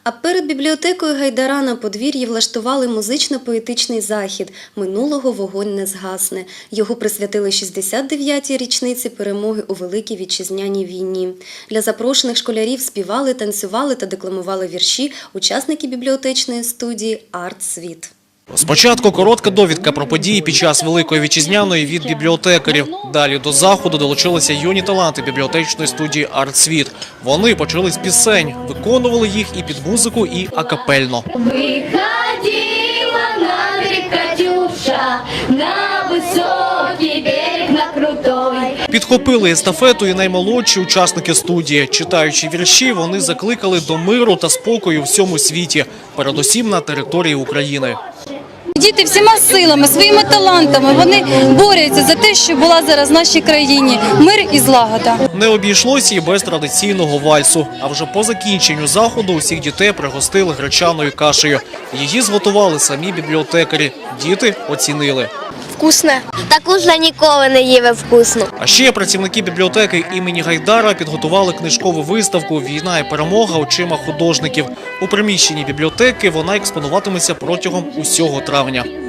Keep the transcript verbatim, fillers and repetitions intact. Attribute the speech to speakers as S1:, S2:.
S1: А перед бібліотекою Гайдара на подвір'ї влаштували музично-поетичний захід «Минулого вогонь не згасне». Його присвятили шістдесят дев'ятій річниці перемоги у Великій Вітчизняній війні. Для запрошених школярів співали, танцювали та декламували вірші учасники бібліотечної студії «Арт-світ».
S2: Спочатку коротка довідка про події під час Великої Вітчизняної від бібліотекарів. Далі до заходу долучилися юні таланти бібліотечної студії «Арт-світ». Вони почали з пісень, виконували їх і під музику, і акапельно.
S3: Виходила на берег Катюша, на високий берег, на крутой.
S2: Підхопили естафету і наймолодші учасники студії. Читаючи вірші, вони закликали до миру та спокою у всьому світі, передусім на території України.
S4: Діти всіма силами, своїми талантами, вони борються за те, що була зараз в нашій країні мир і злагода.
S2: Не обійшлося і без традиційного вальсу. А вже по закінченню заходу усіх дітей пригостили гречаною кашею. Її зготували самі бібліотекарі. Діти оцінили.
S5: Вкусно. Таку ж ніколи не їв вкусно.
S2: А ще працівники бібліотеки імені Гайдара підготували книжкову виставку «Війна і перемога очима художників». У приміщенні бібліотеки вона експонуватиметься протягом усього травня.